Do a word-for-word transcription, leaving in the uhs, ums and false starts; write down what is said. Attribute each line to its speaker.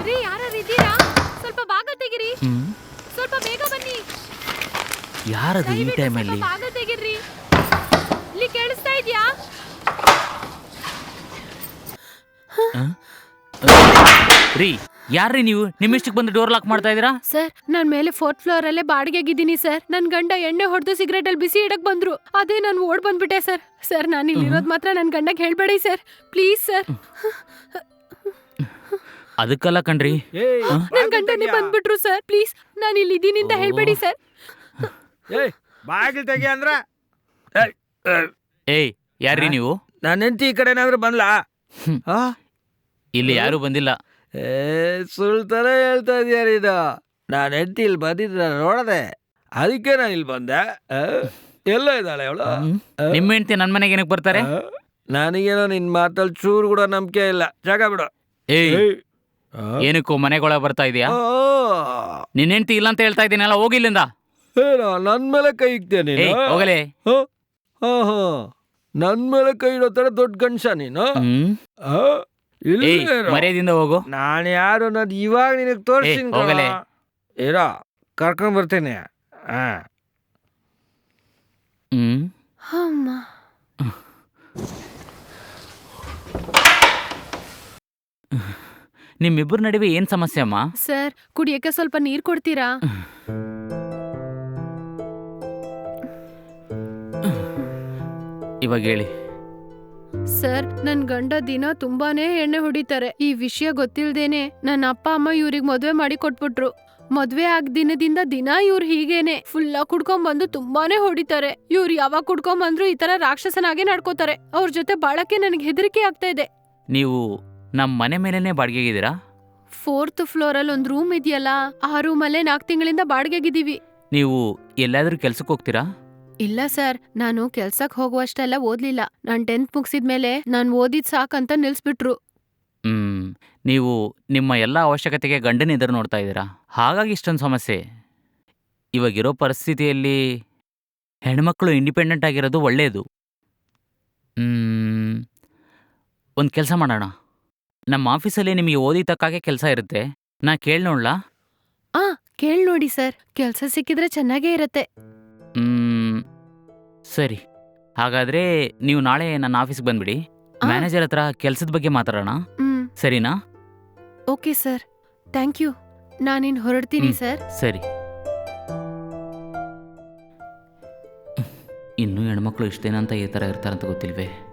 Speaker 1: ರೀ ಯಾರು ಇದ್ದೀರಾ? ಸ್ವಲ್ಪ ಬಾಗಿಲು ತೆಗಿರಿ. ಸ್ವಲ್ಪ ಬೇಗ ಬನ್ನಿ.
Speaker 2: ಯಾರದು ಈ ಟೈಮಲ್ಲಿ?
Speaker 1: ಬಾಗಿಲು ತೆಗಿರಿ. ಇಲ್ಲಿ ಕೇಳಿಸ್ತಾ ಇದೆಯಾ?
Speaker 2: ರೀ ಯಾರ್ರೀ ನೀವು? ನಿಮ್ಮಿಷ್ಟಕ್ಕೆ ಬಂದು ಡೋರ್ ಲಾಕ್ ಮಾಡ್ತಾ ಇದೀರಾ?
Speaker 1: ಸರ್ ನಾನ್ ಮೇಲೆ ಫೋರ್ತ್ ಫ್ಲೋರ್ ಅಲ್ಲೇ ಬಾಡಿಗೆಗಿದ್ದೀನಿ ಸರ್. ನನ್ ಗಂಡ ಎಣ್ಣೆ ಹೊಡೆದು ಸಿಗರೇಟ್ ಅಲ್ಲಿ ಬಿಸಿ ಇಡಕ್ ಬಂದ್ರು. ಅದೇ ನಾನು ಓಡ್ ಬಂದ್ಬಿಟ್ಟೆ ಸರ್. ಸರ್ ನಾನು ಇಲ್ಲಿರೋದ್ ಮಾತ್ರ ನನ್ ಗಂಡಗೆ ಹೇಳ್ಬೇಡಿ ಸರ್, ಪ್ಲೀಸ್ ಸರ್.
Speaker 2: ಅದಕ್ಕಲ್ಲ ಕಣ್ರಿ,
Speaker 1: ನನ್ ಗಂಡನೇ ಬಂದ್ಬಿಟ್ರು ಸರ್. ಪ್ಲೀಸ್ ನಾನು ಇಲ್ಲಿ ಇದೀನಿ ಅಂತ ಹೇಳ್ಬೇಡಿ ಸರ್.
Speaker 3: ಬಾಗಿಲು ತೆಗಿ ಅಂದ್ರ.
Speaker 2: ಏಯ್ ಯಾರ್ರೀ ನೀವು?
Speaker 3: ನನ್ನ ಹೆಂಡತಿ ಈ ಕಡೆ ಏನಾದ್ರು ಬಂದ್ಲಾ?
Speaker 2: ಇಲ್ಲಿ ಯಾರು ಬಂದಿಲ್ಲ.
Speaker 3: ಏ ಸುಳ್ತಾನೆ ಹೇಳ್ತಾ ಇದೀಯಾರ ಇದು. ನಾನು ಹೆಂಡತಿ ಇಲ್ಲಿ ಬಂದಿದ್ದ ನೋಡದೆ, ಅದಕ್ಕೆ ನಾನು ಇಲ್ಲಿ ಬಂದೆ. ಎಲ್ಲ ಇದ್ದಾಳೆ ಅವಳು.
Speaker 2: ನಿಮ್ಮ ಹೆಂಡತಿ ನನ್ನ ಮನೆಗೆ ಏನಕ್ಕೆ ಬರ್ತಾರೆ?
Speaker 3: ನನಗೇನೋ ನಿನ್ ಮಾತಲ್ಲಿ ಚೂರು ಕೂಡ ನಂಬಿಕೆ ಇಲ್ಲ. ಜಾಗ ಬಿಡು.
Speaker 2: ಏಯ್ ಏನಕ್ಕೂ ಮನೆಗೊಳಗೆ ಬರ್ತಾ ಇದೀಯಾ? ನಿನ್ನ ಹೆಂಡತಿ ಇಲ್ಲ ಅಂತ ಹೇಳ್ತಾ ಇದ್ದೀನಲ್ಲ, ಹೋಗಿಲ್ಲಿಂದ.
Speaker 3: ಏನೋ ನನ್ ಮೇಲೆ ಕೈ ಇಕ್ತೇನೆ
Speaker 2: ಹೋಗಲೇ.
Speaker 3: ಹಾ ಹಾ ನನ್ ಮೇಲೆ ಕೈ ಇಡೋ ತರ ದೊಡ್ಡ ಗಂಡಸ ನೀನು.
Speaker 2: ಮರ್ಯಾದಿಂದ ಹೋಗು.
Speaker 3: ನಾನು ಯಾರು ಅನ್ನೋದು ಇವಾಗ ನಿನಗೆ ತೋರಿಸ್ತೀನಿ. ಇರೋ ಕರ್ಕೊಂಡ್ ಬರ್ತೇನೆ.
Speaker 1: ಹ್ಮ್
Speaker 2: ನಿಮ್ಮಿಬ್ಬರ ನಡುವೆ ಏನ್ ಸಮಸ್ಯೆ ಅಮ್ಮ?
Speaker 1: ಸರ್ ಕುಡಿಯಕ್ಕೆ ಸ್ವಲ್ಪ ನೀರ್ ಕೊಡ್ತೀರಾ?
Speaker 2: ಇವಾಗ ಹೇಳಿ.
Speaker 1: ಸರ್ ನನ್ ಗಂಡ ದಿನ ತುಂಬಾನೇ ಎಣ್ಣೆ ಹೊಡಿತಾರೆ. ಈ ವಿಷಯ ಗೊತ್ತಿಲ್ದೇನೆ ನನ್ನ ಅಪ್ಪ ಅಮ್ಮ ಇವ್ರಿಗೆ ಮದ್ವೆ ಮಾಡಿ ಕೊಟ್ಬಿಟ್ರು. ಮದ್ವೆ ಆಗ ದಿನದಿಂದ ದಿನ ಇವ್ರು ಹೀಗೇನೆ ಫುಲ್ಲ ಕುಡ್ಕೊಂಡ್ ಬಂದು ತುಂಬಾನೇ ಹೊಡಿತಾರೆ. ಇವ್ರು ಯಾವಾಗ ಕುಡ್ಕೊಂಡ್ ಬಂದ್ರು ಈ ತರ ರಾಕ್ಷಸನಾಗೆ ನಡ್ಕೋತಾರೆ. ಅವ್ರ ಜೊತೆ ಬಾಳಕ್ಕೆ ನನಗೆ ಹೆದರಿಕೆ ಆಗ್ತಾ ಇದೆ.
Speaker 2: ನೀವು ನಮ್ ಮನೆ ಮೇಲೆನೆ ಬಾಡಿಗೆಗಿದ್ದೀರಾ?
Speaker 1: ಫೋರ್ತ್ ಫ್ಲೋರ್ ಅಲ್ಲಿ ಒಂದ್ ರೂಮ್ ಇದೆಯಲ್ಲ, ಆ ರೂಮ್ ಅಲ್ಲೇ ನಾಲ್ಕು ತಿಂಗಳಿಂದ ಬಾಡಿಗೆಗಿದ್ದೀವಿ.
Speaker 2: ನೀವು ಎಲ್ಲಾದ್ರೂ ಕೆಲ್ಸಕ್ಕೆ ಹೋಗ್ತೀರಾ?
Speaker 1: ಇಲ್ಲ ಸರ್, ನಾನು ಕೆಲ್ಸಕ್ ಹೋಗುವಷ್ಟೆಲ್ಲ ಓದ್ಲಿಲ್ಲ. ನಾನ್ ಟೆಂತ್ ಮುಗಿಸಿದ್ಮೇಲೆ ನಾನ್ ಓದಿದ್ ಸಾಕಂತ ನಿಲ್ಸ್ಬಿಟ್ರು.
Speaker 2: ಹ್ಮ್ ನೀವು ನಿಮ್ಮ ಎಲ್ಲ ಅವಶ್ಯಕತೆಗೆ ಗಂಡನ ಎದುರು ನೋಡ್ತಾ ಇದ್ದೀರಾ, ಹಾಗಾಗಿ ಇಷ್ಟೊಂದು ಸಮಸ್ಯೆ. ಇವಾಗಿರೋ ಪರಿಸ್ಥಿತಿಯಲ್ಲಿ ಹೆಣ್ಮಕ್ಳು ಇಂಡಿಪೆಂಡೆಂಟ್ ಆಗಿರೋದು ಒಳ್ಳೆಯದು. ಹ್ಮ್ ಒಂದು ಕೆಲಸ ಮಾಡೋಣ. ನಮ್ಮ ಆಫೀಸಲ್ಲಿ ನಿಮಗೆ ಓದಿ ತಕ್ಕಾಗೆ ಕೆಲಸ ಇರುತ್ತೆ. ನಾ ಕೇಳಿ ನೋಡ್ಲಾ?
Speaker 1: ಆ ಕೇಳ್ ನೋಡಿ ಸರ್, ಕೆಲ್ಸ ಸಿಕ್ಕಿದ್ರೆ ಚೆನ್ನಾಗೇ ಇರತ್ತೆ.
Speaker 2: ಹ್ಮ್ ಸರಿ, ಹಾಗಾದ್ರೆ ನೀವು ನಾಳೆ ನನ್ನ ಆಫೀಸ್ಗೆ ಬಂದ್ಬಿಡಿ. ಮ್ಯಾನೇಜರ್ ಹತ್ರ ಕೆಲಸದ ಬಗ್ಗೆ ಮಾತಾಡೋಣ, ಸರಿನಾ?
Speaker 1: Okay sir, thank you. ನಾನಿನ್ ಹೊರಡ್ತೀನಿ ಸರ್.
Speaker 2: ಸರಿ. ಇನ್ನೂ ಹೆಣ್ಮಕ್ಳು ಇಷ್ಟೇನಂತ ಈ ಥರ ಇರ್ತಾರಂತ ಗೊತ್ತಿಲ್ವೇ?